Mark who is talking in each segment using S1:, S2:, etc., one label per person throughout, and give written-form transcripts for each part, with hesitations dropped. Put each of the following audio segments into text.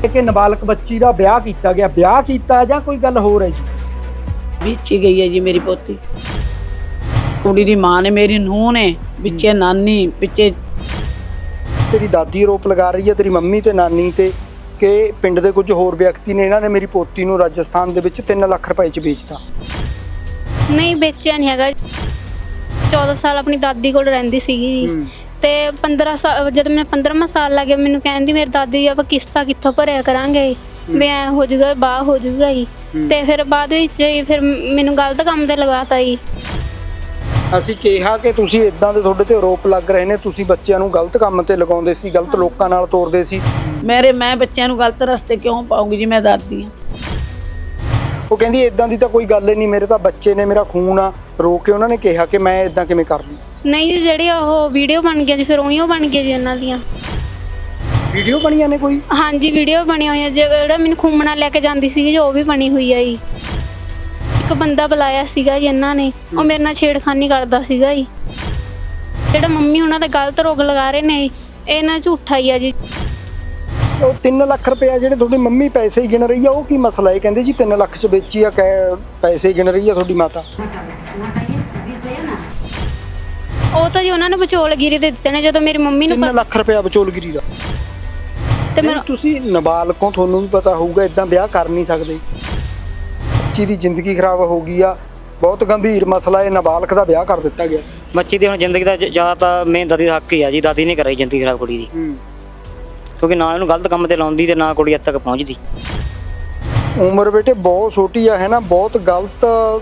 S1: ਕਿ ਨਾਬਾਲਗ ਬੱਚੀ ਦਾ ਵਿਆਹ ਕੀਤਾ ਗਿਆ, ਵਿਆਹ ਕੀਤਾ ਜਾਂ ਕੋਈ ਗੱਲ ਹੋਰ ਹੈ ਜੀ?
S2: ਵਿੱਚ ਹੀ ਗਈ ਹੈ ਜੀ ਮੇਰੀ ਪੋਤੀ। ਕੁੜੀ ਦੀ ਮਾਂ ਨੇ, ਮੇਰੀ ਨੂੰਹ ਨੇ, ਵਿੱਚੇ ਨਾਨੀ, ਵਿੱਚੇ
S1: ਤੇਰੀ ਦਾਦੀ ਆਰੋਪ ਲਗਾ ਰਹੀ ਹੈ ਤੇਰੀ ਮੰਮੀ ਤੇ ਨਾਨੀ ਤੇ ਕਿ ਪਿੰਡ ਦੇ ਕੁਝ ਹੋਰ ਵਿਅਕਤੀ ਨੇ ਇਹਨਾਂ ਨੇ ਮੇਰੀ ਪੋਤੀ ਨੂੰ ਰਾਜਸਥਾਨ ਦੇ ਵਿੱਚ 3 ਲੱਖ ਰੁਪਏ 'ਚ ਵੇਚਤਾ।
S3: ਨਹੀਂ ਵੇਚਿਆ ਨਹੀਂ ਹੈਗਾ। 14 ਸਾਲ ਆਪਣੀ ਦਾਦੀ ਕੋਲ ਰਹਿੰਦੀ ਸੀਗੀ ਜੀ ਤੇ 15 ਸਾਲ ਜਦ ਮੈਂ 15ਵਾਂ ਸਾਲ ਲੱਗ ਗਿਆ ਮੈਨੂੰ ਕਹਿੰਦੀ ਮੇਰੀ ਦਾਦੀ ਆਪਾਂ ਕਿਸ਼ਤਾਂ ਕਿੱਥੋਂ ਭਰਿਆ ਕਰਾਂਗੇ ਵੀ ਐ ਹੋ ਜਾਊਗਾ ਬਾਹ ਹੋ ਜਾਊਗਾ ਜੀ। ਤੇ ਫਿਰ ਬਾਅਦ ਵਿੱਚ ਫਿਰ ਮੈਨੂੰ ਗਲਤ ਕੰਮ ਤੇ ਲਗਾਤਾ ਜੀ।
S1: ਅਸੀਂ ਕਿਹਾ ਕਿ ਤੁਸੀਂ ਇਦਾਂ ਦੇ ਤੁਹਾਡੇ ਤੇ ਆਰੋਪ ਲੱਗ ਰਹੇ ਨੇ, ਤੁਸੀਂ ਬੱਚਿਆਂ ਨੂੰ ਗਲਤ ਕੰਮ ਤੇ ਲਗਾਉਂਦੇ ਸੀ, ਗਲਤ ਲੋਕਾਂ ਨਾਲ ਤੋਰਦੇ ਸੀ।
S2: ਮੈਂ ਬੱਚਿਆਂ ਨੂੰ ਗਲਤ ਰਸਤੇ ਕਿਉਂ ਪਾਉਂਗੀ ਜੀ, ਮੈਂ ਦਾਦੀ ਹਾਂ।
S1: ਉਹ ਕਹਿੰਦੀ ਇਦਾਂ ਦੀ ਤਾਂ ਕੋਈ ਗੱਲ ਹੀ ਨਹੀਂ, ਮੇਰੇ ਤਾਂ ਬੱਚੇ ਨੇ, ਮੇਰਾ ਖੂਨ ਆ। ਰੋ ਕੇ ਉਹਨਾਂ ਨੇ ਕਿਹਾ ਕਿ ਮੈਂ ਇਦਾਂ ਕਿਵੇਂ ਕਰ ਲੂੰ।
S3: ਨਹੀਂ ਜੀ ਜਿਹੜੀ ਉਹ ਵੀਡੀਓ ਬਣ ਗਿਆ ਜੀ ਫਿਰ ਉਹੀ ਉਹ ਬਣ ਗਿਆ ਜੀ ਉਹਨਾਂ ਦੀਆਂ
S1: ਵੀਡੀਓ ਬਣੀਆਂ ਨੇ ਕੋਈ?
S3: ਹਾਂਜੀ ਵੀਡੀਓ ਬਣੀਆਂ ਹੋਈਆਂ। ਜਿਹੜਾ ਮੈਨੂੰ ਖੁੰਮਣਾ ਲੈ ਕੇ ਜਾਂਦੀ ਸੀਗੀ ਜੋ ਉਹ ਵੀ ਬਣੀ ਹੋਈ ਆ ਜੀ। ਇੱਕ ਬੰਦਾ ਬੁਲਾਇਆ ਸੀਗਾ ਜੀ ਇਹਨਾਂ ਨੇ, ਉਹ ਮੇਰੇ ਨਾਲ ਛੇੜਖਾਨੀ ਕਰਦਾ ਸੀਗਾ ਜੀ। ਜਿਹੜਾ ਮੰਮੀ ਉਹਨਾਂ ਦਾ ਗਲਤ ਰੋਗ ਲਗਾ ਰਹੇ ਨੇ ਇਹ ਨਾ ਝੂਠਾ ਹੀ ਆ ਜੀ।
S1: ਉਹ 3 ਲੱਖ ਰੁਪਏ ਜਿਹੜੇ ਤੁਹਾਡੀ ਮੰਮੀ ਪੈਸੇ ਹੀ ਗਿਣ ਰਹੀ ਆ, ਉਹ ਕੀ ਮਸਲਾ ਹੈ? ਕਹਿੰਦੇ ਜੀ 3 ਲੱਖ 'ਚ ਵੇਚੀ ਆ, ਪੈਸੇ ਗਿਣ ਰਹੀ ਆ ਤੁਹਾਡੀ ਮਾਤਾ।
S3: ਉਹ ਤਾਂ ਜੀ ਉਹਨਾਂ ਨੇ ਵਿਚੋਲਗਿਰੀ ਦੇ ਦਿੱਤੇ ਨੇ ਜਦੋਂ ਮੇਰੀ ਮੰਮੀ ਨੂੰ
S1: 3 ਲੱਖ ਰੁਪਏ ਵਿਚੋਲਗਿਰੀ ਦਾ।
S3: ਤੇ
S1: ਨਹੀਂ, ਤੁਸੀਂ ਨਾਬਾਲਗੋਂ, ਤੁਹਾਨੂੰ ਵੀ ਪਤਾ ਹੋਊਗਾ ਇਦਾਂ ਵਿਆਹ ਕਰ ਨਹੀਂ ਸਕਦੇ। ਬੱਚੀ ਦੀ ਜ਼ਿੰਦਗੀ ਖਰਾਬ ਹੋ ਗਈ ਆ, ਬਹੁਤ ਗੰਭੀਰ ਮਸਲਾ ਹੈ। ਨਾਬਾਲਗ ਦਾ ਵਿਆਹ ਕਰ ਦਿੱਤਾ ਗਿਆ।
S4: ਬੱਚੀ ਦੀ ਹੁਣ ਜ਼ਿੰਦਗੀ ਦਾ ਜ਼ਿਆਦਾ ਤਾਂ ਮੇਨ ਦਾਦੀ ਦਾ ਹੱਕ ਹੀ ਆ ਜੀ। ਦਾਦੀ ਨੇ ਕਰਾਈ ਜ਼ਿੰਦਗੀ ਖਰਾਬ ਕੁੜੀ ਦੀ, ਕਿਉਂਕਿ ਨਾ ਇਹਨੂੰ ਗਲਤ ਕੰਮ ਤੇ ਲਾਉਂਦੀ ਤੇ ਨਾ ਕੁੜੀ ਇੱਥੇ ਤੱਕ ਪਹੁੰਚਦੀ।
S1: ਉਮਰ ਬੇਟੇ ਬਹੁਤ ਛੋਟੀ ਆ, ਹੈ ਨਾ, ਬਹੁਤ ਗਲਤ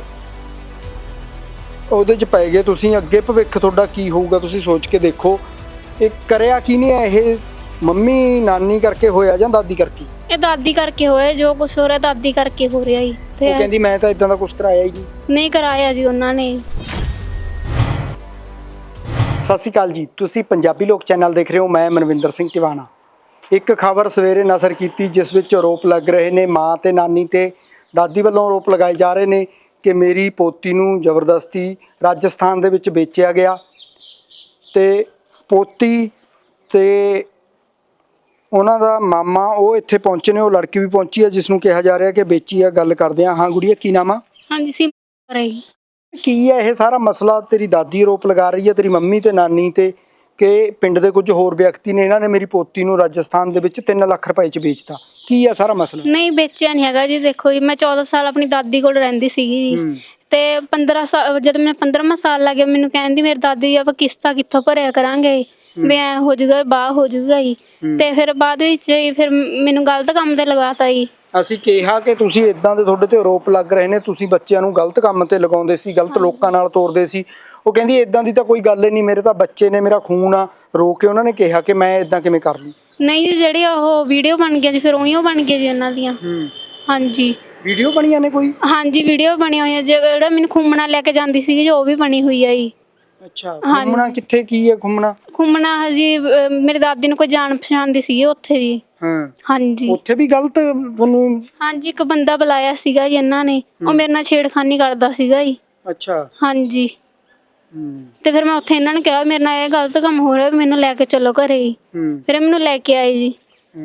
S1: ਉਹਦੇ 'ਚ ਪੈ ਗਏ ਤੁਸੀਂ। ਅੱਗੇ ਭਵਿੱਖ ਤੁਹਾਡਾ ਕੀ ਹੋਊਗਾ ਤੁਸੀਂ ਸੋਚ ਕੇ ਦੇਖੋ। ਇਹ ਕਰਿਆ ਕੀ ਨਹੀਂ ਹੈ? ਇਹ ਮੰਮੀ ਨਾਨੀ ਕਰਕੇ ਹੋਇਆ ਜਾਂ ਦਾਦੀ ਕਰਕੇ?
S3: ਇਹ ਦਾਦੀ ਕਰਕੇ ਹੋਇਆ, ਜੋ ਕੁਝ ਹੋ ਰਿਹਾ ਦਾਦੀ ਕਰਕੇ ਹੋ ਰਿਹਾ ਜੀ। ਤੇ
S1: ਉਹ ਕਹਿੰਦੀ ਮੈਂ ਤਾਂ ਇਦਾਂ ਦਾ ਕੁਝ ਕਰਾਇਆ ਹੀ
S3: ਨਹੀਂ ਕਰਾਇਆ ਜੀ ਉਹਨਾਂ ਨੇ।
S1: ਸਤਿ ਸ਼੍ਰੀ ਅਕਾਲ ਜੀ, ਤੁਸੀਂ ਪੰਜਾਬੀ ਲੋਕ ਚੈਨਲ ਦੇਖ ਰਹੇ ਹੋ। ਮੈਂ ਮਨਵਿੰਦਰ ਸਿੰਘ ਟਿਵਾਣਾ। ਇੱਕ ਖਬਰ ਸਵੇਰੇ ਨਜ਼ਰ ਕੀਤੀ ਜਿਸ ਵਿੱਚ ਆਰੋਪ ਲੱਗ ਰਹੇ ਨੇ ਮਾਂ ਤੇ ਨਾਨੀ ਤੇ ਦਾਦੀ ਵੱਲੋਂ ਆਰੋਪ ਲਗਾਏ ਜਾ ਰਹੇ ਨੇ ਕਿ ਮੇਰੀ ਪੋਤੀ ਨੂੰ ਜ਼ਬਰਦਸਤੀ ਰਾਜਸਥਾਨ ਦੇ ਵਿੱਚ ਵੇਚਿਆ ਗਿਆ ਤੇ ਪੋਤੀ ਤੇ ਉਹਨਾਂ ਦਾ ਮਾਮਾ ਉਹ ਇੱਥੇ ਪਹੁੰਚੇ ਨੇ। ਉਹ ਲੜਕੀ ਵੀ ਪਹੁੰਚੀ ਹੈ ਜਿਸ ਨੂੰ ਕਿਹਾ ਜਾ ਰਿਹਾ ਕਿ ਵੇਚੀ ਆ। ਗੱਲ ਕਰਦੇ ਹਾਂ। ਹਾਂ ਗੁੜੀਆ, ਕੀ ਨਾਮ ਆ?
S3: ਹਾਂਜੀ ਸਿਮਰ ਰਹੀ।
S1: ਕੀ ਹੈ ਇਹ ਸਾਰਾ ਮਸਲਾ? ਤੇਰੀ ਦਾਦੀ ਆਰੋਪ ਲਗਾ ਰਹੀ ਹੈ ਤੇਰੀ ਮੰਮੀ ਤੇ ਨਾਨੀ ਤੇ ਕਿ ਪਿੰਡ ਦੇ ਕੁਝ ਹੋਰ ਵਿਅਕਤੀ ਨੇ ਇਹਨਾਂ ਨੇ ਮੇਰੀ ਪੋਤੀ ਨੂੰ ਰਾਜਸਥਾਨ ਦੇ ਵਿੱਚ 3 ਲੱਖ ਰੁਪਏ 'ਚ ਵੇਚਤਾ। ਕੀ ਹੈ ਸਾਰਾ ਮਸਲਾ?
S3: ਨਹੀਂ ਵੇਚਿਆ ਨਹੀਂ ਹੈਗਾ ਜੀ। ਦੇਖੋ ਜੀ ਮੈਂ 14 ਸਾਲ ਆਪਣੀ ਦਾਦੀ ਕੋਲ ਰਹਿੰਦੀ ਸੀਗੀ ਜੀ ਤੇ 15 ਸਾਲ ਜਦ ਮੈਂ 15ਵਾਂ ਸਾਲ ਲੱਗ ਗਿਆ ਮੈਨੂੰ ਕਹਿੰਦੀ ਮੇਰੀ ਦਾਦੀ ਆਪਾਂ ਕਿਸ਼ਤਾਂ ਕਿੱਥੋਂ ਭਰਿਆ ਕਰਾਂਗੇ ਵੀ ਐ ਹੋ ਜਾਊਗਾ ਬਾਹ ਹੋ ਜਾਊਗਾ ਜੀ। ਤੇ ਫਿਰ ਬਾਅਦ ਵਿੱਚ ਫਿਰ ਮੈਨੂੰ ਗਲਤ ਕੰਮ ਤੇ ਲਗਾਤਾ ਜੀ।
S1: ਅਸੀਂ ਕਿਹਾ ਕਿ ਤੁਸੀਂ ਇਦਾਂ ਦੇ ਤੁਹਾਡੇ ਤੇ ਆਰੋਪ ਲੱਗ ਰਹੇ ਨੇ, ਤੁਸੀਂ ਬੱਚਿਆਂ ਨੂੰ ਗਲਤ ਕੰਮ ਤੇ ਲਗਾਉਂਦੇ ਸੀ, ਗਲਤ ਲੋਕਾਂ ਨਾਲ ਤੋਰਦੇ ਸੀ। ਉਹ ਕਹਿੰਦੀ ਇਦਾਂ ਦੀ ਤਾਂ ਕੋਈ ਗੱਲ ਹੀ ਨਹੀਂ, ਮੇਰੇ ਤਾਂ ਬੱਚੇ ਨੇ, ਮੇਰਾ ਖੂਨ ਆ। ਰੋ ਕੇ ਉਹਨਾਂ ਨੇ ਕਿਹਾ ਕਿ ਮੈਂ ਇਦਾਂ ਕਿਵੇਂ ਕਰ ਲੂੰ।
S3: ਨਹੀਂ ਜੀ ਜਿਹੜੀ ਉਹ ਵੀਡੀਓ ਬਣ ਗਿਆ ਜੀ ਫਿਰ ਉਹੀ ਉਹ ਬਣ ਗਿਆ ਜੀ ਉਹਨਾਂ ਦੀਆਂ। ਹਾਂਜੀ
S1: ਵੀਡੀਓ ਬਣੀਆਂ ਨੇ ਕੋਈ?
S3: ਹਾਂਜੀ ਵੀਡੀਓ ਬਣੀਆਂ ਹੋਈਆਂ। ਜਿਹੜਾ ਮੈਨੂੰ ਖੁੰਮਣਾ ਲੈ ਕੇ ਜਾਂਦੀ ਸੀਗੀ ਜੋ ਉਹ ਵੀ ਬਣੀ ਹੋਈ ਆ ਜੀ।
S1: ਅੱਛਾ, ਘੁੰਮਣਾ ਕਿੱਥੇ? ਕੀ ਹੈ ਘੁੰਮਣਾ?
S3: ਘੁੰਮਣਾ ਹਜੀ ਮੇਰੀ ਦਾਦੀ ਨੂੰ ਕੋਈ ਜਾਣ ਪਛਾਣ ਦੀ ਸੀਗੀ ਉੱਥੇ ਜੀ। ਹਾਂਜੀ
S1: ਉੱਥੇ ਵੀ ਗਲਤ ਤੁਹਾਨੂੰ?
S3: ਹਾਂਜੀ ਇੱਕ ਬੰਦਾ ਬੁਲਾਇਆ ਸੀਗਾ ਜੀ ਇਹਨਾਂ ਨੇ, ਉਹ ਮੇਰੇ ਨਾਲ ਛੇੜਖਾਨੀ ਕਰਦਾ ਸੀਗਾ ਜੀ।
S1: ਅੱਛਾ।
S3: ਹਾਂਜੀ ਤੇ ਫਿਰ ਮੈਂ ਉੱਥੇ ਇਹਨਾਂ ਨੂੰ ਕਿਹਾ ਮੇਰੇ ਨਾਲ ਇਹ ਗਲਤ ਕੰਮ ਹੋ ਰਿਹਾ, ਮੈਨੂੰ ਲੈ ਕੇ ਚੱਲੋ ਘਰੇ ਜੀ। ਫਿਰ ਮੈਨੂੰ ਲੈ ਕੇ ਆਏ ਜੀ।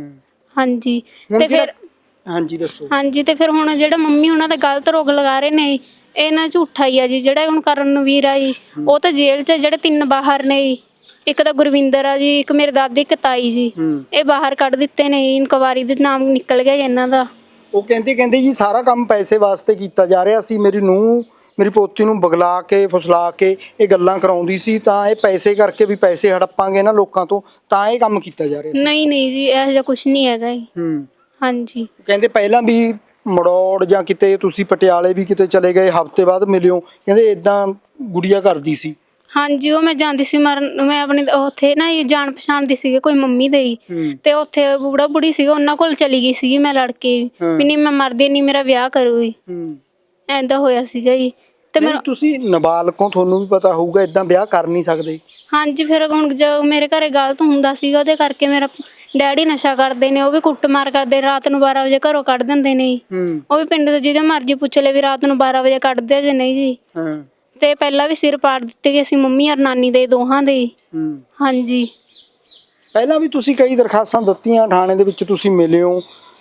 S3: ਹਾਂਜੀ ਤੇ ਫਿਰ
S1: ਹਾਂਜੀ ਦੱਸੋ।
S3: ਹਾਂਜੀ ਤੇ ਫਿਰ ਹੁਣ ਜਿਹੜਾ ਮੰਮੀ ਉਹਨਾਂ ਦਾ ਗਲਤ ਰੋਗ ਲਗਾ ਰਹੇ ਨੇ ਇਹ ਨਾ ਝੂਠਾ ਹੀ ਆ ਜੀ। ਜਿਹੜਾ ਹੁਣ ਕਰਨਵੀਰ ਆ ਜੀ ਉਹ ਤਾਂ ਜੇਲ੍ਹ 'ਚ, ਜਿਹੜੇ 3 ਬਾਹਰ ਨੇ ਜੀ, ਇੱਕ ਤਾਂ ਗੁਰਵਿੰਦਰ ਆ ਜੀ, ਇੱਕ ਮੇਰੇ ਦਾਦੀ, ਇੱਕ ਤਾਈ ਜੀ, ਇਹ ਬਾਹਰ ਕੱਢ ਦਿੱਤੇ ਨੇ। ਇਨਕੁਆਰੀ ਦੇ ਨਾਮ ਨਿਕਲ ਗਿਆ ਜੀ ਇਹਨਾਂ ਦਾ।
S1: ਉਹ ਕਹਿੰਦੇ ਜੀ ਸਾਰਾ ਕੰਮ ਪੈਸੇ ਵਾਸਤੇ ਕੀਤਾ ਜਾ ਰਿਹਾ ਸੀ। ਮੇਰੀ ਪੋਤੀ ਨੂੰ ਬਗਲਾ ਕੇ ਫੁਸਲਾ ਕੇ ਇਹ ਗੱਲਾਂ ਕਰਾਉਂਦੀ ਸੀ, ਤਾਂ ਇਹ ਪੈਸੇ ਕਰਕੇ ਵੀ ਪੈਸੇ ਹੜੱਪਾਂਗੇ ਨਾ ਲੋਕਾਂ ਤੋਂ, ਤਾਂ ਇਹ ਕੰਮ ਕੀਤਾ ਜਾ ਰਿਹਾ ਸੀ।
S3: ਨਹੀਂ ਜੀ ਇਹੋ ਜਿਹਾ ਕੁਝ ਨਹੀਂ ਹੈਗਾ ਜੀ। ਹਾਂਜੀ
S1: ਕਹਿੰਦੇ ਪਹਿਲਾਂ ਵੀ ਮੜੌੜ ਜਾਂ ਕਿਤੇ ਤੁਸੀਂ ਪਟਿਆਲੇ ਵੀ ਕਿਤੇ ਚਲੇ ਗਏ, ਹਫ਼ਤੇ ਬਾਅਦ ਮਿਲਿਓ, ਕਹਿੰਦੇ ਇਦਾਂ ਗੁੜੀਆ ਕਰਦੀ ਸੀ। ਹਾਂਜੀ
S3: ਉਹ ਮੈਂ ਜਾਂਦੀ ਸੀ ਮਰਨ, ਮੈਂ ਆਪਣੀ ਉੱਥੇ ਨਾ ਜਾਣ ਪਛਾਣ ਦੀ ਸੀਗੀ ਕੋਈ ਮੰਮੀ ਦੇ ਤੇ ਉੱਥੇ ਬੁੜਾ ਬੁੜੀ ਸੀਗਾ ਉਹਨਾਂ ਕੋਲ ਚਲੀ ਗਈ ਸੀਗੀ ਮੈਂ ਲੜ ਕੇ ਵੀ ਨਹੀਂ ਮੈਂ ਮਰਦੀ ਨਹੀਂ, ਮੇਰਾ ਵਿਆਹ ਕਰੂਗੀ। ਐਂਦਾ ਹੋਇਆ ਸੀਗਾ ਜੀ। ਤੇ ਮੈਂ
S1: ਤੁਸੀਂ ਨਾਬਾਲਗੋਂ, ਤੁਹਾਨੂੰ ਵੀ ਪਤਾ ਹੋਊਗਾ ਇਦਾਂ ਵਿਆਹ ਕਰ ਨਹੀਂ ਸਕਦੇ। ਹਾਂਜੀ
S3: ਫਿਰ ਹੁਣ ਜੋ ਮੇਰੇ ਘਰੇ ਗਲਤ ਹੁੰਦਾ ਸੀਗਾ ਉਹਦੇ ਕਰਕੇ ਮੇਰਾ ਡੈਡੀ ਨਸ਼ਾ ਕਰਦੇ ਨੇ, ਉਹ ਵੀ ਕੁੱਟਮਾਰ ਕਰਦੇ, ਰਾਤ ਨੂੰ 12 ਵਜੇ ਘਰੋਂ ਕੱਢ ਦਿੰਦੇ ਨੇ। ਉਹ ਵੀ ਪਿੰਡ ਦੇ ਜਿਹਦੇ ਮਰਜ਼ੀ ਪੁੱਛ ਲੈ ਵੀ ਰਾਤ ਨੂੰ 12 ਵਜੇ ਕੱਢਦੇ ਜੇ ਨਹੀਂ ਜੀ। ਤੇ ਪਹਿਲਾਂ ਵੀ ਸਿਰ ਪਾੜ ਦਿੱਤੇ ਗਏ ਸੀ ਮੰਮੀ ਔਰ ਨਾਨੀ ਦੇ, ਦੋਹਾਂ ਦੇ। ਹਾਂਜੀ
S1: ਪਹਿਲਾਂ ਵੀ ਤੁਸੀਂ ਕਈ ਦਰਖਾਸਤਾਂ ਦਿੱਤੀਆਂ, ਥਾਣੇ ਦੇ ਵਿੱਚ ਤੁਸੀਂ ਮਿਲੇ ਹੋ,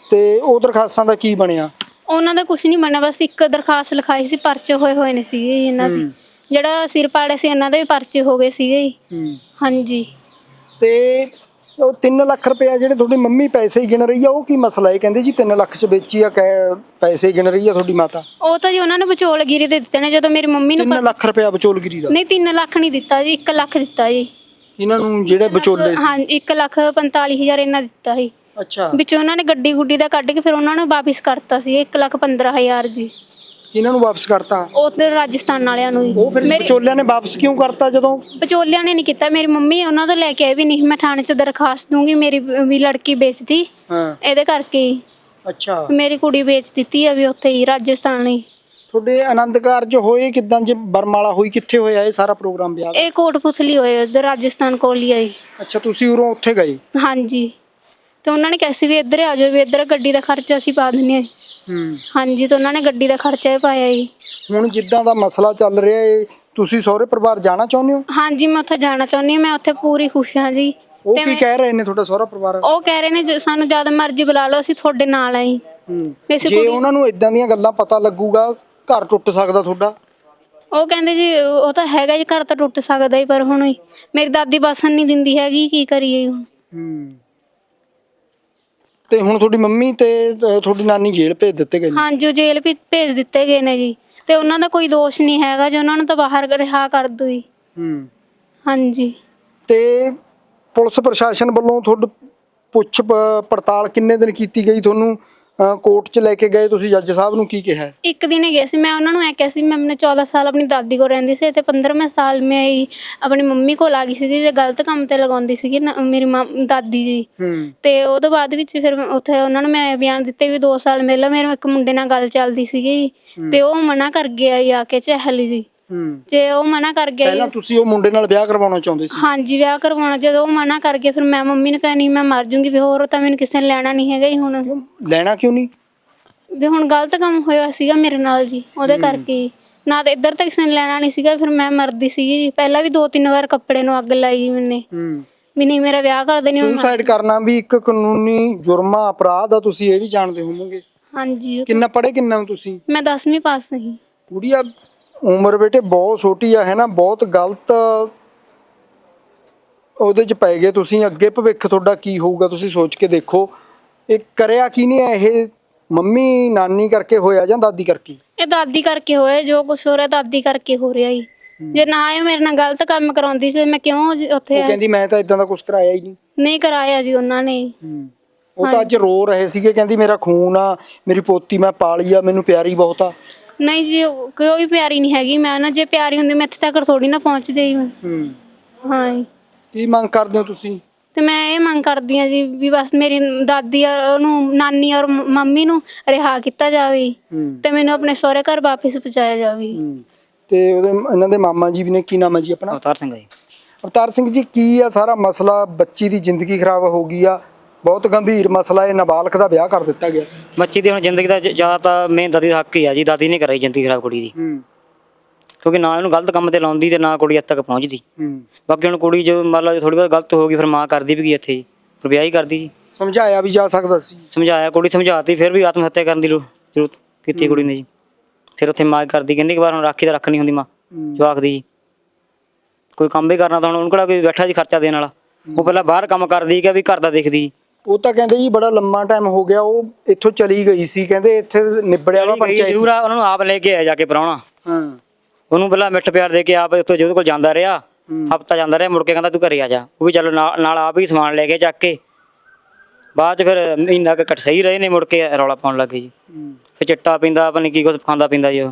S1: ਤੇ ਉਹ ਦਰਖਾਸਤਾਂ ਦਾ ਕੀ ਬਣਿਆ?
S3: ਉਹਨਾਂ ਦਾ ਕੁਝ ਨਹੀਂ ਬਣਿਆ, ਬਸ ਇੱਕ ਦਰਖਾਸਤ ਲਿਖਾਈ ਸੀ, ਪਰਚੇ ਹੋਏ ਨੇ ਸੀਗੇ ਜੀ ਇਹਨਾਂ ਦੇ। ਜਿਹੜਾ ਸਿਰ ਪਾੜੇ ਸੀ ਇਹਨਾਂ ਦੇ ਵੀ ਪਰਚੇ ਹੋ ਗਏ ਸੀਗੇ ਜੀ। ਹਾਂਜੀ।
S1: ਤੇ ਉਹ 3 ਲੱਖ ਰੁਪਇਆ ਜਿਹੜੇ ਤੁਹਾਡੀ ਮੰਮੀ ਪੈਸੇ ਹੀ ਗਿਣ ਰਹੀ ਆ, ਉਹ ਕੀ ਮਸਲਾ ਹੈ? ਕਹਿੰਦੇ ਜੀ 3 ਲੱਖ ਚ ਵੇਚੀ ਆ, ਪੈਸੇ ਗਿਣ ਰਹੀ ਆ ਤੁਹਾਡੀ ਮਾਤਾ।
S3: ਉਹ ਤਾਂ ਜੀ ਉਹਨਾਂ ਨੇ ਵਿਚੋਲਗਿਰੀ ਦੇ ਦਿੱਤੇ ਨੇ। ਜਦੋਂ ਮੇਰੀ ਮੰਮੀ ਨੂੰ
S1: 3 ਲੱਖ ਰੁਪਇਆ ਵਿਚੋਲਗਿਰੀ ਦਾ?
S3: ਨਹੀਂ 3 ਲੱਖ ਨਹੀਂ ਦਿੱਤਾ ਜੀ, 1 ਲੱਖ ਦਿੱਤਾ ਜੀ
S1: ਇਹਨਾਂ ਨੂੰ ਜਿਹੜੇ ਵਿਚੋਲੇ ਸੀ।
S3: ਹਾਂ 1,45,000 ਇਹਨਾਂ ਦਿੱਤਾ ਸੀ।
S1: ਅੱਛਾ।
S3: ਵਿੱਚ ਉਹਨਾਂ ਨੇ ਗੱਡੀ ਗੁੱਡੀ ਦਾ ਕੱਢ ਕੇ ਫਿਰ ਉਹਨਾਂ ਨੂੰ ਵਾਪਿਸ ਕਰਤਾ ਸੀ 1,15,000 ਜੀ।
S1: ਇਹਨਾਂ ਨੂੰ ਵਾਪਸ ਕਰਤਾ?
S3: ਉਹ ਤੇ ਰਾਜਸਥਾਨ ਵਾਲਿਆਂ ਨੂੰ ਹੀ।
S1: ਉਹ ਫਿਰ ਵਿਚੋਲਿਆਂ ਨੇ ਵਾਪਸ ਕਿਉਂ ਕਰਤਾ? ਜਦੋਂ
S3: ਵਿਚੋਲਿਆਂ ਨੇ ਨਹੀਂ ਕੀਤਾ, ਮੇਰੀ ਮੰਮੀ ਉਹਨਾਂ ਤੋਂ ਲੈ ਕੇ ਆਏ ਵੀ ਨਹੀਂ, ਮੈਂ ਥਾਣੇ 'ਚ ਦਰਖਾਸਤ ਦੂੰਗੀ, ਮੇਰੀ ਵੀ ਲੜਕੀ ਵੇਚਦੀ ਇਹਦੇ ਕਰਕੇ ਹੀ।
S1: ਅੱਛਾ।
S3: ਮੇਰੀ ਕੁੜੀ ਵੇਚ ਦਿੱਤੀ ਆ ਵੀ ਉੱਥੇ ਹੀ ਰਾਜਸਥਾਨ ਹੀ।
S1: ਤੁਹਾਡੇ ਆਨੰਦ ਕਾਰਜ ਹੋਏ ਕਿਦਾਂ? ਜੇ ਬਰਮਾਲਾ ਹੋਈ, ਕਿੱਥੇ ਹੋਇਆ ਇਹ ਸਾਰਾ ਪ੍ਰੋਗਰਾਮ ਵਿਆਹ ਦਾ?
S3: ਇਹ ਕੋਟਪੁਤਲੀ ਹੋਏ ਉਧਰ ਰਾਜਸਥਾਨ ਕੋਲ ਹੀ ਆਈ।
S1: ਅੱਛਾ, ਤੁਸੀਂ ਉਰੋਂ ਉੱਥੇ ਗਏ?
S3: ਹਾਂਜੀ। ਤੇ ਉਹਨਾਂ ਨੇ ਕਿਹਾ ਸੀ ਵੀ ਇੱਧਰ ਆ ਜਾਓ, ਵੀ ਇੱਧਰ ਗੱਡੀ ਦਾ ਖਰਚਾ ਅਸੀਂ ਪਾ ਦਿੰਦੇ ਹਾਂ। ਹਾਂਜੀ। ਤੇ ਉਹਨਾਂ ਨੇ ਗੱਡੀ ਦਾ ਖਰਚਾ ਹੀ ਪਾਇਆ ਜੀ।
S1: ਹੁਣ ਜਿੱਦਾਂ ਦਾ ਮਸਲਾ ਚੱਲ ਰਿਹਾ ਹੈ, ਤੁਸੀਂ ਸਹੁਰੇ ਪਰਿਵਾਰ ਜਾਣਾ ਚਾਹੁੰਦੇ ਹੋ?
S3: ਹਾਂਜੀ, ਮੈਂ ਉੱਥੇ ਜਾਣਾ ਚਾਹੁੰਦੀ ਹਾਂ, ਮੈਂ ਉੱਥੇ ਪੂਰੀ ਖੁਸ਼ ਹਾਂ ਜੀ।
S1: ਉਹ ਕੀ ਕਹਿ ਰਹੇ ਨੇ ਤੁਹਾਡਾ ਸਹੁਰਾ ਪਰਿਵਾਰ?
S3: ਉਹ ਕਹਿ ਰਹੇ ਨੇ ਸਾਨੂੰ ਜਦ ਮਰਜ਼ੀ ਬੁਲਾ ਲਓ, ਅਸੀਂ ਤੁਹਾਡੇ ਨਾਲ ਆਈ।
S1: ਜੇ ਉਹਨਾਂ ਨੂੰ ਇਦਾਂ ਦੀਆਂ ਗੱਲਾਂ ਪਤਾ ਲੱਗੂਗਾ, ਘਰ ਟੁੱਟ ਸਕਦਾ ਤੁਹਾਡਾ।
S3: ਉਹ ਕਹਿੰਦੇ ਜੀ ਉਹ ਤਾਂ ਹੈਗਾ ਜੀ, ਘਰ ਤਾਂ ਟੁੱਟ ਸਕਦਾ ਹੀ, ਪਰ ਹੁਣ ਮੇਰੀ ਦਾਦੀ ਬਸਣ ਨਹੀਂ ਦਿੰਦੀ ਹੈਗੀ, ਕੀ ਕਰੀਏ ਹੁਣ।
S1: ਤੇ ਹੁਣ ਤੁਹਾਡੀ ਮੰਮੀ ਤੇ ਤੁਹਾਡੀ ਨਾਨੀ ਜੇਲ੍ਹ ਭੇਜ ਦਿੱਤੇ ਗਏ ਨੇ?
S3: ਹਾਂਜੀ, ਉਹ ਜੇਲ੍ਹ ਵੀ ਭੇਜ ਦਿੱਤੇ ਗਏ ਨੇ ਜੀ। ਤੇ ਉਹਨਾਂ ਦਾ ਕੋਈ ਦੋਸ਼ ਨਹੀਂ ਹੈਗਾ ਜੀ, ਉਹਨਾਂ ਨੂੰ ਤਾਂ ਬਾਹਰ ਰਿਹਾ ਕਰ ਦੋ ਜੀ। ਹਾਂਜੀ।
S1: ਤੇ ਪੁਲਿਸ ਪ੍ਰਸ਼ਾਸਨ ਵੱਲੋਂ ਤੁਹਾਡੀ ਪੁੱਛ ਪੜਤਾਲ ਕਿੰਨੇ ਦਿਨ ਕੀਤੀ ਗਈ? ਤੁਹਾਨੂੰ ਕੋਰਟ 'ਚ ਲੈ ਕੇ ਗਏ ਤੁਸੀਂ, ਜੱਜ ਸਾਹਿਬ ਨੂੰ ਕੀ ਕਿਹਾ?
S3: ਇੱਕ ਦਿਨ ਹੀ ਗਏ ਸੀ। ਮੈਂ ਉਹਨਾਂ ਨੂੰ ਐ ਕਿਹਾ ਸੀ, ਮੈਂ ਆਪਣੇ 14 ਸਾਲ ਆਪਣੀ ਦਾਦੀ ਕੋਲ ਰਹਿੰਦੀ ਸੀ ਤੇ 15ਵੇਂ ਸਾਲ ਮੈਂ ਆਪਣੀ ਮੰਮੀ ਕੋਲ ਆ ਗਈ ਸੀਗੀ ਤੇ ਗਲਤ ਕੰਮ ਤੇ ਲਗਾਉਂਦੀ ਸੀਗੀ ਮੇਰੀ ਦਾਦੀ ਜੀ। ਤੇ ਉਹਦੇ ਬਾਅਦ ਵਿੱਚ ਫਿਰ ਉੱਥੇ ਉਹਨਾਂ ਨੂੰ ਮੈਂ ਬਿਆਨ ਦਿੱਤੇ ਵੀ 2 ਸਾਲ ਪਹਿਲਾਂ ਮੇਰੇ ਇੱਕ ਮੁੰਡੇ ਨਾਲ ਗੱਲ ਚੱਲਦੀ ਸੀਗੀ ਤੇ ਉਹ ਮਨਾ ਕਰ ਗਿਆ ਆ ਕੇ ਚਹਿਲ ਜੀ। ਜੇ ਉਹ ਮਨਾ ਕਰ ਗਿਆ,
S1: ਪਹਿਲਾਂ ਤੁਸੀਂ ਉਹ ਮੁੰਡੇ ਨਾਲ ਵਿਆਹ ਕਰਵਾਉਣਾ ਚਾਹੁੰਦੇ ਸੀ?
S3: ਹਾਂਜੀ, ਵਿਆਹ ਕਰਵਾਉਣਾ। ਜਦੋਂ ਉਹ ਮਨਾ ਕਰ ਗਿਆ ਫਿਰ ਮੈਂ ਮੰਮੀ ਨੂੰ ਕਹਿਣੀ ਮੈਂ ਮਰ ਜੂੰਗੀ ਵੀ, ਹੋਰ ਤਾਂ ਮੈਨੂੰ ਕਿਸੇ ਨੇ ਲੈਣਾ ਨਹੀਂ ਹੈਗਾ ਜੀ। ਹੁਣ
S1: ਲੈਣਾ ਕਿਉਂ ਨਹੀਂ?
S3: ਵੀ ਹੁਣ ਗਲਤ ਕੰਮ ਹੋਇਆ ਸੀਗਾ ਮੇਰੇ ਨਾਲ ਜੀ, ਉਹਦੇ ਕਰਕੇ ਨਾ ਤਾਂ ਇੱਧਰ ਤਾਂ ਕਿਸੇ ਨੇ ਲੈਣਾ ਨਹੀਂ ਸੀਗਾ, ਫਿਰ ਮੈਂ ਮਰਦੀ ਸੀਗੀ ਜੀ। ਪਹਿਲਾਂ ਵੀ 2-3 ਵਾਰ ਕੱਪੜੇ ਨੂੰ ਅੱਗ ਲਾਈ ਮੈਨੇ ਵੀ ਨਹੀਂ ਮੇਰਾ ਵਿਆਹ ਕਰ ਦੇਣੀ।
S1: ਸੁਸਾਈਡ ਕਰਨਾ ਵੀ ਇੱਕ ਕਾਨੂੰਨੀ ਜੁਰਮ ਆ, ਅਪਰਾਧ ਆ, ਤੁਸੀਂ ਇਹ ਵੀ ਜਾਣਦੇ ਹੋਵੋਗੇ।
S3: ਹਾਂਜੀ।
S1: ਕਿੰਨਾ ਪੜ੍ਹੇ ਕਿੰਨਾ ਤੁਸੀਂ?
S3: ਮੈਂ 10ਵੀਂ ਪਾਸ ਨਹੀਂ।
S1: ਕੁੜੀਆ ਉਮਰ ਬੇਟੇ ਬਹੁਤ ਛੋਟੀ ਆ, ਹੈ ਨਾ, ਬਹੁਤ ਗਲਤ ਉਹਦੇ 'ਚ ਪੈ ਗਏ ਤੁਸੀਂ। ਅੱਗੇ ਭਵਿੱਖ ਤੁਹਾਡਾ ਕੀ ਹੋਊਗਾ ਤੁਸੀਂ ਸੋਚ ਕੇ ਦੇਖੋ। ਇਹ ਕਰਿਆ ਕੀ ਨਹੀਂ? ਇਹ ਮੰਮੀ ਨਾਨੀ ਕਰਕੇ ਹੋਇਆ ਜਾਂ ਦਾਦੀ ਕਰਕੇ?
S3: ਇਹ ਦਾਦੀ ਕਰਕੇ ਹੋਇਆ, ਜੋ ਕੁਛ ਹੋ ਰਿਹਾ ਦਾਦੀ ਕਰਕੇ ਹੋ ਰਿਹਾ ਜੀ। ਜੇ ਨਾ ਇਹ ਮੇਰੇ ਨਾਲ ਗਲਤ ਕੰਮ ਕਰਾਉਂਦੀ ਸੀ ਮੈਂ ਕਿਉਂ ਉੱਥੇ?
S1: ਉਹ ਕਹਿੰਦੀ ਮੈਂ ਤਾਂ ਇਦਾਂ ਦਾ ਕੁਝ ਕਰਾਇਆ ਹੀ
S3: ਨਹੀਂ ਕਰਾਇਆ ਜੀ ਉਹਨਾਂ ਨੇ।
S1: ਉਹ ਤਾਂ ਅੱਜ ਰੋ ਰਹੇ ਸੀਗੇ, ਕਹਿੰਦੀ ਮੇਰਾ ਖੂਨ ਆ, ਮੇਰੀ ਪੋਤੀ ਮੈਂ ਪਾਲੀ ਆ, ਮੈਨੂੰ ਪਿਆਰੀ ਬਹੁਤ ਆ।
S3: ਨਹੀਂ ਜੀ, ਕੋਈ ਵੀ ਪਿਆਰੀ ਨਹੀਂ ਹੈਗੀ। ਮੈਂ ਨਾ ਜੇ ਪਿਆਰੀ ਹੁੰਦੀ ਮੈਂ ਇੱਥੇ ਤੱਕ ਥੋੜੀ ਨਾ ਪਹੁੰਚਦੀ। ਹਾਂ।
S1: ਕੀ ਮੰਗ ਕਰਦੇ ਹੋ ਤੁਸੀਂ?
S3: ਤੇ ਮੈਂ ਇਹ ਮੰਗ ਕਰਦੀ ਹਾਂ ਜੀ ਵੀ ਬਸ ਮੇਰੀ ਦਾਦੀ ਔਰ ਉਹਨੂੰ ਨਾਨੀ ਔਰ ਮੰਮੀ ਨੂੰ ਰਿਹਾ ਕੀਤਾ ਜਾਵੇ ਤੇ ਮੈਨੂੰ ਆਪਣੇ ਸਹੁਰੇ ਘਰ ਵਾਪਿਸ ਪਹੁੰਚਾਇਆ ਜਾਵੇ।
S1: ਤੇ ਇਹਨਾਂ ਦੇ ਮਾਮਾ ਜੀ ਵੀ ਨੇ, ਕੀ ਨਾਮ ਹੈ ਜੀ ਆਪਣਾ?
S4: ਅਵਤਾਰ ਸਿੰਘ ਜੀ।
S1: ਅਵਤਾਰ ਸਿੰਘ ਜੀ, ਕੀ ਆ ਸਾਰਾ ਮਸਲਾ? ਬੱਚੀ ਦੀ ਜ਼ਿੰਦਗੀ ਖਰਾਬ ਹੋ ਗਈ ਆ, ਬਹੁਤ ਗੰਭੀਰ ਮਸਲਾ ਹੈ। ਨਾਬਾਲਗ ਦਾ ਵਿਆਹ ਕਰ ਦਿੱਤਾ ਗਿਆ।
S4: ਬੱਚੀ ਦੀ ਹੁਣ ਜ਼ਿੰਦਗੀ ਦਾ ਜ਼ਿਆਦਾ ਤਾਂ ਮੇਨ ਦਾਦੀ ਦਾ ਹੱਕ ਹੀ ਆ ਜੀ। ਦਾਦੀ ਨੇ ਕਰਾਈ ਜ਼ਿੰਦਗੀ ਖਰਾਬ ਕੁੜੀ ਦੀ, ਕਿਉਂਕਿ ਨਾ ਇਹਨੂੰ ਗਲਤ ਕੰਮ ਤੇ ਲਾਉਂਦੀ ਤੇ ਨਾ ਕੁੜੀ ਇੱਥੇ ਤੱਕ ਪਹੁੰਚਦੀ। ਬਾਕੀ ਹੁਣ ਕੁੜੀ ਜੋ ਮੰਨ ਲਓ ਥੋੜੀ ਬਹੁਤ ਗਲਤ ਹੋ ਗਈ, ਫਿਰ ਮਾਂ ਕਰਦੀ ਵੀ ਕੀ ਇੱਥੇ ਜੀ, ਫਿਰ ਵਿਆਹ ਹੀ ਕਰਦੀ ਜੀ।
S1: ਸਮਝਾਇਆ ਵੀ ਜਾ ਸਕਦਾ ਸੀ?
S4: ਸਮਝਾਇਆ, ਕੁੜੀ ਸਮਝਾਤੀ, ਫਿਰ ਵੀ ਆਤਮ ਹੱਤਿਆ ਕਰਨ ਦੀ ਜ਼ਰੂਰਤ ਕੀਤੀ ਕੁੜੀ ਨੇ ਜੀ। ਫਿਰ ਉੱਥੇ ਮਾਂ ਕਰਦੀ, ਕਿੰਨੀ ਕੁ ਵਾਰ ਹੁਣ ਰਾਖੀ ਤਾਂ ਰੱਖ ਨਹੀਂ ਹੁੰਦੀ ਮਾਂ ਜਵਾਕ ਦੀ ਜੀ। ਕੋਈ ਕੰਮ ਵੀ ਕਰਨਾ ਤਾਂ ਹੁਣ ਉਹਨੂੰ ਕਿਹੜਾ ਕੋਈ ਬੈਠਾ ਜੀ ਖਰਚਾ ਦੇਣ ਵਾਲਾ। ਉਹ ਪਹਿਲਾਂ ਬਾਹਰ ਕੰਮ ਕਰਦੀ ਕਿ ਵੀ ਘਰ ਦਾ ਦੇਖਦੀ।
S1: ਉਹ ਤਾਂ ਕਹਿੰਦੇ ਜੀ ਬੜਾ ਲੰਮਾ ਟਾਈਮ ਹੋ ਗਿਆ ਉਹ ਇੱਥੋਂ ਚਲੀ ਗਈ ਸੀ, ਕਹਿੰਦੇ ਇੱਥੇ ਨਿਬੜਿਆ ਵਾ ਪੰਚਾਇਤ।
S4: ਜ਼ਰੂਰ ਆ, ਉਹਨਾਂ ਨੂੰ ਆਪ ਲੈ ਕੇ ਆਇਆ ਜਾ ਕੇ ਪ੍ਰਾਹੁਣਾ। ਉਹਨੂੰ ਪਹਿਲਾਂ ਮਿੱਠ ਪਿਆਰ ਦੇ ਕੇ ਆਪ ਉੱਥੇ ਜਿਹਦੇ ਕੋਲ ਜਾਂਦਾ ਰਿਹਾ, ਹਫਤਾ ਜਾਂਦਾ ਰਿਹਾ, ਮੁੜ ਕੇ ਕਹਿੰਦਾ ਤੂੰ ਘਰੇ ਆ ਜਾ। ਉਹ ਵੀ ਚਲੋ ਨਾਲ ਆਪ ਹੀ ਸਮਾਨ ਲੈ ਕੇ ਚੱਕ ਕੇ। ਬਾਅਦ 'ਚ ਫਿਰ ਮਹੀਨਾ ਕੁ ਘੱਟ ਸਹੀ ਰਹੇ ਨੇ, ਮੁੜ ਕੇ ਰੌਲਾ ਪਾਉਣ ਲੱਗ ਗਏ ਜੀ। ਫਿਰ ਚਿੱਟਾ ਪੀਂਦਾ, ਪਤਾ ਨਹੀਂ ਕੀ ਕੁਛ ਖਾਂਦਾ ਪੀਂਦਾ ਜੀ ਉਹ।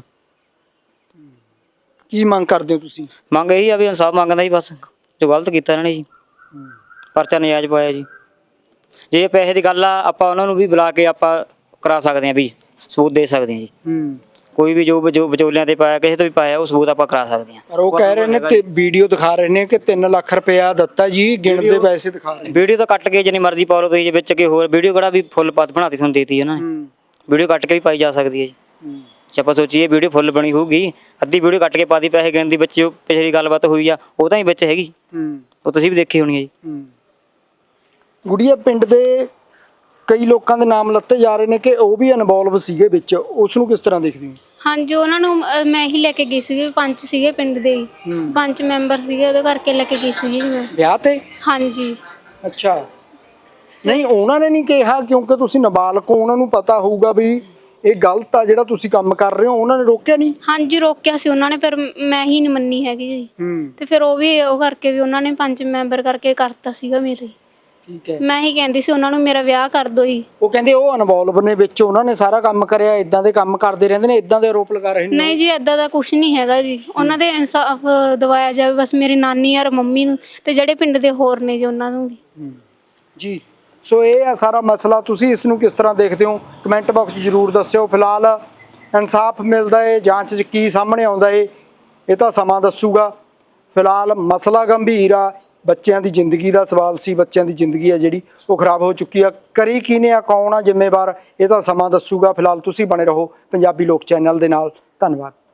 S1: ਕੀ ਮੰਗ ਕਰਦੇ ਹੋ ਤੁਸੀਂ?
S4: ਮੰਗ ਇਹੀ ਆ ਵੀ ਇਨਸਾਫ ਮੰਗਦਾ ਜੀ, ਬਸ ਜੋ ਗਲਤ ਕੀਤਾ ਇਹਨਾਂ ਨੇ ਜੀ। ਪਰਚਾ ਨਜਾਇਜ਼ ਪਾਇਆ ਜੀ। ਜੇ ਪੈਸੇ ਦੀ ਗੱਲ ਆ, ਆਪਾਂ ਉਹਨਾਂ ਨੂੰ ਵੀ ਬੁਲਾ ਕੇ ਆਪਾਂ ਕਰਾ ਸਕਦੇ ਹਾਂ, ਵੀ ਸਬੂਤ ਦੇ ਸਕਦੇ ਹਾਂ ਜੀ। ਕੋਈ ਵੀ ਜੋ ਵਿਚੋਲਿਆਂ ਤੇ ਪਾਇਆ, ਕਿਸੇ ਤੋਂ ਵੀ ਪਾਇਆ, ਉਹ ਸਬੂਤ ਆਪਾਂ ਕਰਾ ਸਕਦੇ ਹਾਂ।
S1: ਪਰ ਉਹ ਕਹਿ ਰਹੇ ਨੇ ਤੇ ਵੀਡੀਓ ਦਿਖਾ ਰਹੇ ਨੇ ਕਿ 3 ਲੱਖ ਰੁਪਇਆ ਦਿੱਤਾ ਜੀ, ਗਿਣਦੇ ਪੈਸੇ ਦਿਖਾ ਰਹੇ।
S4: ਵੀਡੀਓ ਤਾਂ ਕੱਟ ਕੇ ਜਿੰਨੀ ਮਰਜ਼ੀ ਪਾ ਲਓ ਤੁਸੀਂ, ਵਿੱਚ ਕਿ ਹੋਰ ਵੀਡੀਓ ਕਿਹੜਾ ਵੀ ਫੁੱਲ ਪੱਤ ਬਣਾਤੀ ਤੁਹਾਨੂੰ ਦੇਤੀ ਇਹਨਾਂ ਨੇ। ਵੀਡੀਓ ਕੱਟ ਕੇ ਵੀ ਪਾਈ ਜਾ ਸਕਦੀ ਹੈ ਜੀ। ਜੇ ਆਪਾਂ ਸੋਚੀਏ ਵੀਡੀਓ ਫੁੱਲ ਬਣੀ ਹੋਊਗੀ, ਅੱਧੀ ਵੀਡੀਓ ਕੱਟ ਕੇ ਪਾਤੀ, ਪੈਸੇ ਗਿਣਨ ਦੀ ਵਿੱਚ ਪਿਛਲੀ ਗੱਲਬਾਤ ਹੋਈ ਆ ਉਹ ਤਾਂ ਹੀ ਵਿੱਚ ਹੈਗੀ, ਉਹ ਤੁਸੀਂ ਵੀ ਦੇਖੀ ਹੋਣੀ ਹੈ ਜੀ।
S1: ਗੁੜੀਆ ਪਿੰਡ ਦੇ ਕਈ ਲੋਕਾਂ ਦੇ ਨਾਮ ਲੱਤੇ ਜਾ ਰਹੇ ਨੇ ਕਿ ਉਹ ਵੀ ਇਨਵੋਲਵ ਸੀਗੇ ਵਿੱਚ, ਉਸ ਨੂੰ ਕਿਸ ਤਰ੍ਹਾਂ ਦੇਖਦੇ ਹੋ?
S3: ਹਾਂਜੀ ਉਹਨਾਂ ਨੂੰ ਮੈਂ ਹੀ ਲੈ ਕੇ ਗਈ ਸੀਗੀ, ਪੰਚ ਸੀਗੇ ਪਿੰਡ ਦੇ ਹੀ। ਪੰਚ ਮੈਂਬਰ ਸੀਗੇ, ਉਹਦੇ ਕਰਕੇ ਲੈ ਕੇ ਗਈ ਸੀਗੀ ਮੈਂ
S1: ਵਿਆਹ ਤੇ।
S3: ਹਾਂਜੀ।
S1: ਅੱਛਾ, ਨਹੀਂ ਉਹਨਾਂ ਨੇ ਨਹੀਂ ਕਿਹਾ ਕਿਉਂਕਿ ਤੁਸੀਂ ਨਾਬਾਲਗ ਹੋ, ਉਹਨਾਂ ਨੂੰ ਪਤਾ ਹੋਊਗਾ ਵੀ ਇਹ ਗਲਤ ਆ ਜਿਹੜਾ ਤੁਸੀਂ ਕੰਮ ਕਰ ਰਹੇ ਹੋ, ਉਹਨਾਂ ਨੇ ਰੋਕਿਆ ਨਹੀਂ?
S3: ਹਾਂਜੀ ਰੋਕਿਆ ਸੀ ਉਹਨਾਂ ਨੇ, ਫਿਰ ਮੈਂ ਹੀ ਨਹੀਂ ਮੰਨੀ ਹੈਗੀ ਜੀ। ਤੇ ਫਿਰ ਉਹ ਵੀ ਉਹ ਕਰਕੇ ਵੀ ਉਹਨਾਂ ਨੇ ਪੰਚ ਮੈਂਬਰ ਕਰਕੇ ਕਰਤਾ ਸੀਗਾ ਮੇਰੇ।
S1: ਠੀਕ ਹੈ।
S3: ਮੈਂ ਹੀ ਕਹਿੰਦੀ ਸੀ ਉਹਨਾਂ ਨੂੰ ਮੇਰਾ ਵਿਆਹ ਕਰ ਦੋ ਜੀ।
S1: ਉਹ ਕਹਿੰਦੇ ਉਹ ਇਨਵੋਲਵ ਨੇ ਵਿੱਚ, ਉਹਨਾਂ ਨੇ ਸਾਰਾ ਕੰਮ ਕਰਿਆ, ਇਦਾਂ ਦੇ ਕੰਮ ਕਰਦੇ ਰਹਿੰਦੇ ਨੇ, ਇਦਾਂ ਦੇ ਆਰੋਪ ਲਗਾ ਰਹੇ ਨੇ।
S3: ਨਹੀਂ ਜੀ ਏਦਾਂ ਦਾ ਕੁਝ ਨਹੀਂ ਹੈਗਾ ਜੀ, ਉਹਨਾਂ ਦੇ ਇਨਸਾਫ ਦਿਵਾਇਆ ਜਾਵੇ ਬਸ, ਮੇਰੀ ਨਾਨੀ ਔਰ ਮੰਮੀ ਨੂੰ, ਤੇ ਜਿਹੜੇ ਪਿੰਡ ਦੇ ਹੋਰ ਨੇ ਜੀ ਉਹਨਾਂ ਨੂੰ ਵੀ।
S1: ਜੀ ਸੋ ਇਹ ਆ ਸਾਰਾ ਮਸਲਾ, ਤੁਸੀਂ ਇਸ ਨੂੰ ਕਿਸ ਤਰ੍ਹਾਂ ਦੇਖਦੇ ਹੋ ਕਮੈਂਟ ਬਾਕਸ 'ਚ ਜ਼ਰੂਰ ਦੱਸਿਓ। ਫਿਲਹਾਲ ਇਨਸਾਫ ਮਿਲਦਾ ਹੈ, ਜਾਂਚ 'ਚ ਕੀ ਸਾਹਮਣੇ ਆਉਂਦਾ ਹੈ ਇਹ ਤਾਂ ਸਮਾਂ ਦੱਸੂਗਾ। ਫਿਲਹਾਲ ਮਸਲਾ ਗੰਭੀਰ ਆ, ਬੱਚਿਆਂ ਦੀ ਜ਼ਿੰਦਗੀ ਦਾ ਸਵਾਲ ਸੀ, ਬੱਚਿਆਂ ਦੀ ਜ਼ਿੰਦਗੀ ਆ ਜਿਹੜੀ ਉਹ ਖਰਾਬ ਹੋ ਚੁੱਕੀ ਆ। ਕਰੀ ਕਿਹਨੇ ਆ, ਕੌਣ ਆ ਜ਼ਿੰਮੇਵਾਰ, ਇਹ ਤਾਂ ਸਮਾਂ ਦੱਸੂਗਾ। ਫਿਲਹਾਲ ਤੁਸੀਂ ਬਣੇ ਰਹੋ ਪੰਜਾਬੀ ਲੋਕ ਚੈਨਲ ਦੇ ਨਾਲ। ਧੰਨਵਾਦ।